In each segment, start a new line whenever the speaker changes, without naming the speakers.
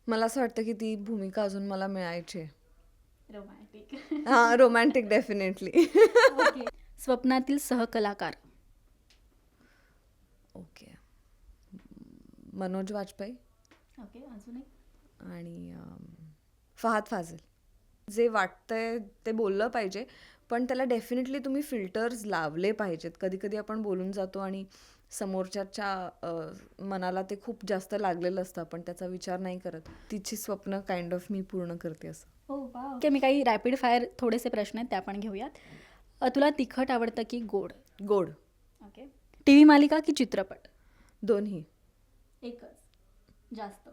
मला असं वाटतं की ती भूमिका अजून मला मिळायची आहे.
रोमॅन्टिक.
हां, रोमॅन्टिक डेफिनेटली.
ओके. स्वप्नातील सहकलाकार.
ओके. मनोज वाजपेयी
ओके, अजून एक.
आणि फहाद फाजिल. जे वाटतंय ते बोललं पाहिजे, पण त्याला डेफिनेटली तुम्ही फिल्टर्स लावले पाहिजेत. कधी-कधी आपण बोलून जातो आणि समोरच्याच्या मनाला ते खूप जास्त लागलेलं असतं. आपण त्याचा विचार नाही करत. तिची स्वप्न काइंड ऑफ मी पूर्ण करते असं.
हो वा. ओके, मी काही रॅपिड फायर थोडेसे प्रश्न आहेत, ते आपण घेऊयात. तुला तिखट आवडतं की गोड?
गोड.
ओके. टी व्ही मालिका की चित्रपट?
दोन्ही.
एकच जास्त.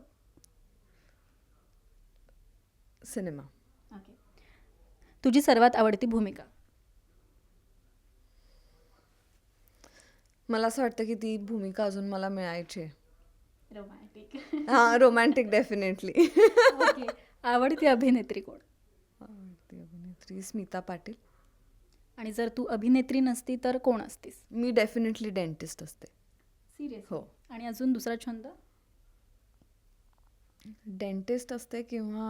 सिनेमा.
ओके. तुझी सर्वात आवडती भूमिका?
मला असं वाटतं की ती भूमिका अजून मला मिळायची आहे.
रोमॅन्टिक.
हां, रोमॅन्टिक डेफिनेटली.
ओके. आवडती अभिनेत्री कोण?
आवडती अभिनेत्री स्मिता पाटील.
आणि जर तू अभिनेत्री नसती तर कोण असतीस?
मी डेफिनेटली डेंटिस्ट असते.
सिरियस
हो.
आणि अजून दुसरा छंद?
डेंटिस्ट असते किंवा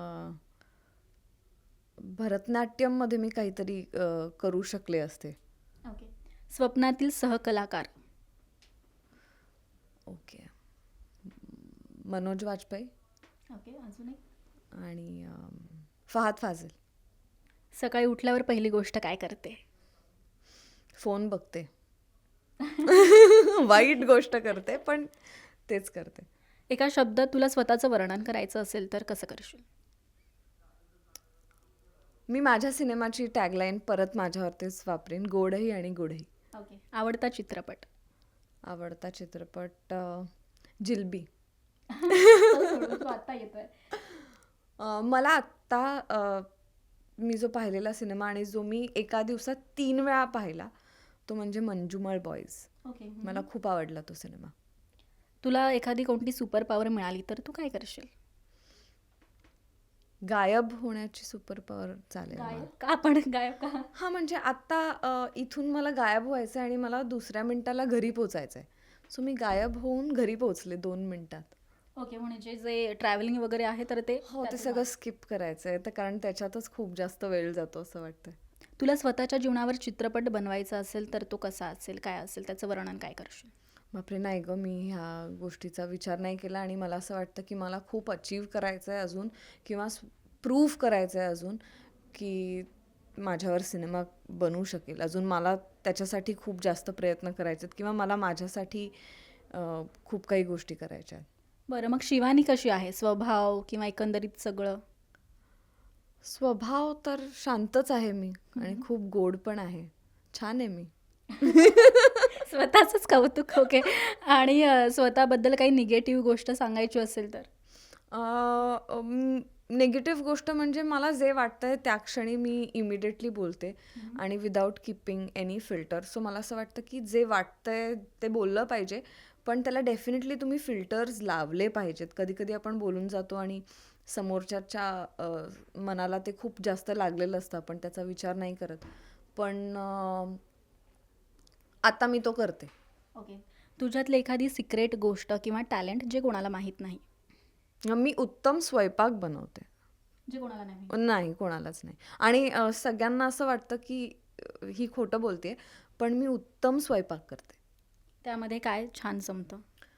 भरतनाट्यममध्ये मी काहीतरी करू शकले असते.
ओके. स्वप्नातील सहकलाकार?
ओके. मनोज वाजपेयी
ओके, अजून एक.
आणि फहाद फाजिल.
सकाळी उठल्यावर पहिली गोष्ट काय करते?
फोन बघते. वाईट गोष्ट करते, पण तेच करते.
एका शब्दात तुला स्वतःचं वर्णन करायचं असेल तर कसं करशील?
मी माझ्या सिनेमाची टॅगलाईन परत माझ्यावरतीच वापरेन, गोडही आणि गुडही.
ओके. आवडता चित्रपट?
आवडता चित्रपट जिलबी.
तू आता येतोय.
मला आत्ता मी जो पाहिलेला सिनेमा आणि जो मी एका दिवसात 3 वेळा पाहिला तो म्हणजे मंजुमळ बॉईज.
ओके.
मला खूप आवडला तो सिनेमा.
तुला एखादी कोणती सुपर पॉवर मिळाली तर तू काय करशील?
गायब होण्याची सुपर पॉवर चालेल मला.
गायब का? आपण गायब का?
हां, म्हणजे आत्ता इथून मला गायब व्हायचं आहे आणि मला दुसऱ्या मिनिटाला घरी पोचायचं आहे. सो मी गायब होऊन घरी पोहोचले 2 मिनिटात.
ओके, म्हणजे जे ट्रॅव्हलिंग वगैरे आहे तर ते
हो, ते
त्यातून
सगळं स्किप करायचं आहे तर कारण त्याच्यातच खूप जास्त वेळ जातो असं वाटतंय.
तुला स्वतःच्या जीवनावर चित्रपट बनवायचा असेल तर तो कसा असेल, काय असेल, त्याचं वर्णन काय करशील?
बापरे! नाही गं, मी ह्या गोष्टीचा विचार नाही केला आणि मला असं वाटतं की मला खूप अचीव्ह करायचं आहे अजून किंवा प्रूव्ह करायचं आहे अजून की माझ्यावर सिनेमा बनू शकेल. अजून मला त्याच्यासाठी खूप जास्त प्रयत्न करायचे आहेत किंवा मला माझ्यासाठी खूप काही गोष्टी करायच्या आहेत.
बरं, मग शिवानी कशी आहे? स्वभाव किंवा एकंदरीत सगळं?
स्वभाव तर शांतच आहे मी आणि खूप गोड पण आहे. छान आहे मी.
स्वतःचंच कौतुक. ओके. आणि स्वतःबद्दल काही निगेटिव्ह गोष्ट सांगायची असेल तर?
निगेटिव्ह गोष्ट म्हणजे मला जे वाटतंय त्या क्षणी मी इमिडिएटली बोलते आणि without keeping any filter. So मला असं वाटतं की जे वाटतंय ते बोललं पाहिजे, पण त्याला डेफिनेटली तुम्ही फिल्टर्स लावले पाहिजेत. कधी-कधी आपण बोलून जातो आणि समोरच्याच्या मनाला ते खूप जास्त लागलेलं असतं. आपण त्याचा विचार नाही करत. पण आता मी तो करते.
ओके. तुझ्यातली एखादी सिक्रेट गोष्ट किंवा टॅलेंट जे कोणाला माहीत नाही?
मी उत्तम स्वयंपाक बनवते.
जे कोणाला नाही?
नाही, कोणालाच नाही. आणि सगळ्यांना असं वाटतं की ही खोटं बोलते पण मी उत्तम स्वयंपाक करते.
त्यामध्ये काय छान जमतं?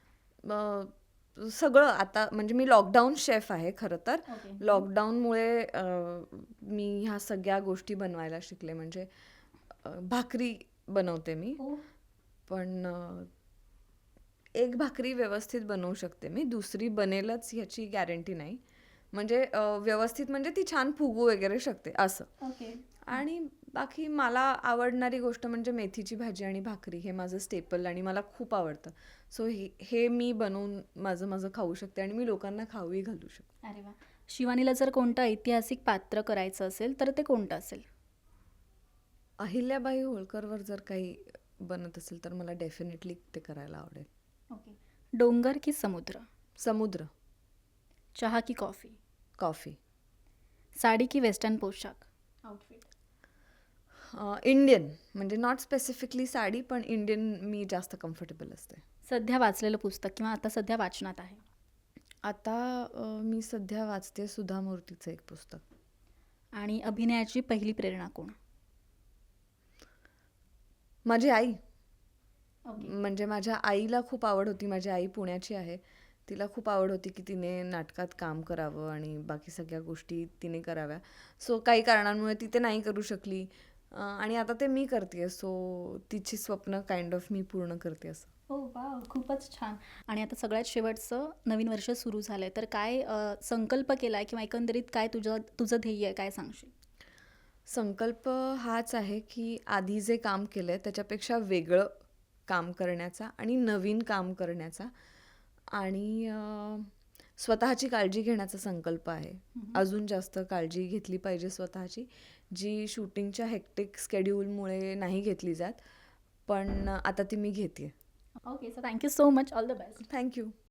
सगळं आता म्हणजे मी लॉकडाऊन शेफ आहे खरं तर.
ओके.
लॉकडाऊनमुळे मी ह्या सगळ्या गोष्टी बनवायला शिकले. म्हणजे भाकरी बनवते मी,
हो.
पण एक भाकरी व्यवस्थित बनवू शकते मी. दुसरी बनेलच ह्याची गॅरंटी नाही. म्हणजे व्यवस्थित म्हणजे ती छान फुगू वगैरे शकते असं.
ओके.
आणि बाकी मला आवडणारी गोष्ट म्हणजे मेथीची भाजी आणि भाकरी. हे माझं स्टेपल आणि मला खूप आवडतं. सो हे मी बनवून माझं खाऊ शकते आणि मी लोकांना खाऊही घालू शकते.
अरे वा. शिवानीला जर कोणतं ऐतिहासिक पात्र करायचं असेल तर ते कोणतं असेल?
अहिल्याबाई होळकरवर जर काही बनत असेल तर मला डेफिनेटली ते करायला आवडेल.
ओके. डोंगर की समुद्र?
समुद्र.
चहा की कॉफी?
कॉफी.
साडी की वेस्टर्न पोशाख? आउटफिट.
इंडियन म्हणजे नॉट स्पेसिफिकली साडी पण इंडियन मी जास्त कम्फर्टेबल असते.
सध्या वाचलेलं पुस्तक किंवा आता सध्या वाचनात आहे?
आता मी सध्या वाचते सुधा मूर्तीचं एक पुस्तक.
आणि अभिनयाची पहिली प्रेरणा कोण?
माझी आई.
ओके.
म्हणजे माझ्या आईला खूप आवड होती. माझी आई पुण्याची आहे. तिला खूप आवड होती की तिने नाटकात काम करावं आणि बाकी सगळ्या गोष्टी तिने कराव्या. सो काही कारणांमुळे ती ते नाही करू शकली. आणि आता ते मी करते. सो तिची स्वप्न काइंड ऑफ मी पूर्ण करते असं.
हो वाव, खूपच छान. आणि आता सगळ्यात शेवटचं, नवीन वर्ष सुरू झालंय, तर काय संकल्प केलाय किंवा एकंदरीत काय तुझं तुझं ध्येय आहे, काय सांगशील?
संकल्प हाच आहे की आधी जे काम केलं आहे त्याच्यापेक्षा वेगळं काम करण्याचा आणि नवीन काम करण्याचा आणि स्वतःची काळजी घेण्याचा संकल्प आहे. अजून जास्त काळजी घेतली पाहिजे स्वतःची, जी शूटिंगच्या हेक्टिक स्केड्यूलमुळे नाही घेतली जात. पण आता ती मी घेते.
Okay, so thank you so much. All the best.
Thank you.